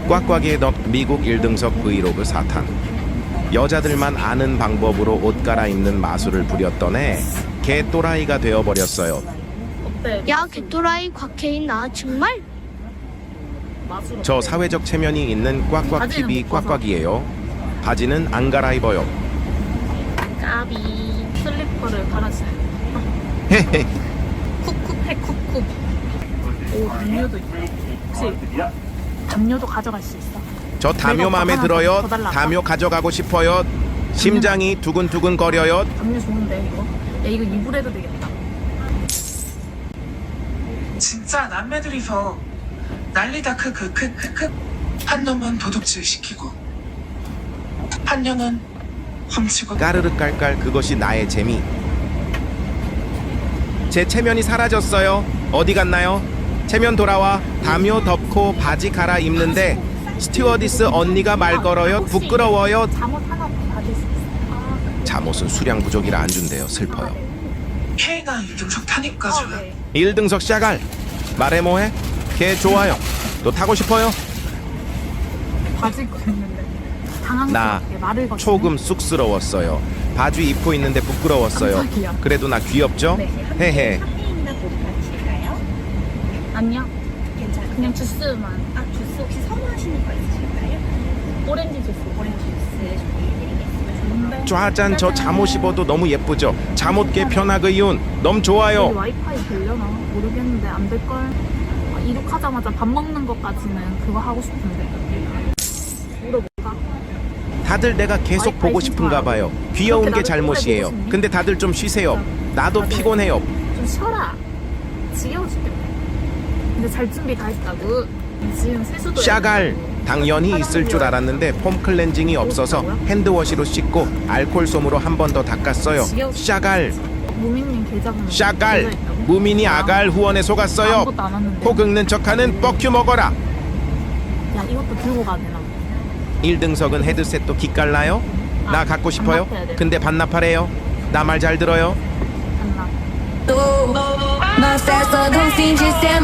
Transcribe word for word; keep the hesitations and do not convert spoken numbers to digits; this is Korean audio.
꽉꽉이의 덕 미국 일 등석 브이로그 사탄. 여자들만 아는 방법으로 옷 갈아입는 마술을 부렸던 애 개또라이가 되어버렸어요. 어때? 야, 개또라이 곽혜인아 정말? 맛으로 저 어때? 사회적 체면이 있는 꽉꽉티비 바지는 못 벗어. 꽉꽉이에요. 바지는 안 갈아입어요. 까비 슬리퍼를 갈아주세요. 헤헤. 쿡쿡해 쿡쿡. 오 담요도 있다. 혹시 담요도 가져갈 수 있어? 저 담요 내가 마음에 하나 들어요. 더 달라고? 담요 가져가고 싶어요. 심장이 두근두근 거려요. 담요 좋은데 이거? 야 이거 이불에도 되겠다. 진짜 남매들이서 난리다 크크크크크. 한 놈은 도둑질 시키고 한 년은 훔치고. 까르르 깔깔 그것이 나의 재미. 제 체면이 사라졌어요. 어디 갔나요? 체면 돌아와. 담요 덮고 바지 갈아입는데 스튜어디스 언니가 말 걸어요. 혹시 부끄러워요. 잠옷 하나 받을 수 있어요? 아, 잠옷은 수량 부족이라 안 준대요. 슬퍼요. K가 일 등석 타니까 어, 줘. 네. 일 등석 샤갈. 말해 뭐해? 걔 좋아요. 또 타고 싶어요? 바지 입고 있는데 나 당황스럽게 말을 거치네. 조금 쑥스러웠어요. 바지 입고 있는데 부끄러웠어요. 깜짝이야. 그래도 나 귀엽죠? 네. 헤헤. 카페인이나 보드 받으실까요? 아니요 괜찮아요. 그냥 주스만. 아, 주스 혹시 선호하시는 거 있으실까요? 오렌지 주스. 오렌지 주스 준비해드리겠습니다. 좋은데? 짜잔 저 잠옷 입어도 너무 예쁘죠? 잠옷계 편하그이운 너무 여기 좋아요. 와이파이 되려나? 모르겠는데 안 될걸? 아, 이륙하자마자 밥 먹는 것까지는 그거 하고 싶은데 물어볼까? 다들 내가 계속 와이파이 보고 싶은가 봐요. 귀여운 그렇게 게 나를 잘못이에요. 보고 싶니? 근데 다들 좀 쉬세요. 나도 다들. 피곤해요. 좀 쉬어라. 지겨워 죽겠네. 근데 잘 준비 다 했다고. 지금 세수도 샤갈. 해가지고. 당연히 있을 줄 알았는데 폼 클렌징이 없어서 핸드워시로 씻고 알콜 솜으로 한 번 더 닦았어요. 샤갈. 무민님 계좌번호 샤갈. 계좌 있다고? 무민이 아갈 후원에 속았어요. 아무것도 안 왔는데. 코 긁는 척하는 뻑큐 먹어라. 야 이것도 들고 가야 되나? 일 등석은 헤드셋도 기깔나요? 나 아, 갖고 싶어요? 반납해야 돼. 근데 반납하래요. 나 말 잘 들어요? 안나. Não cessa, não finge ser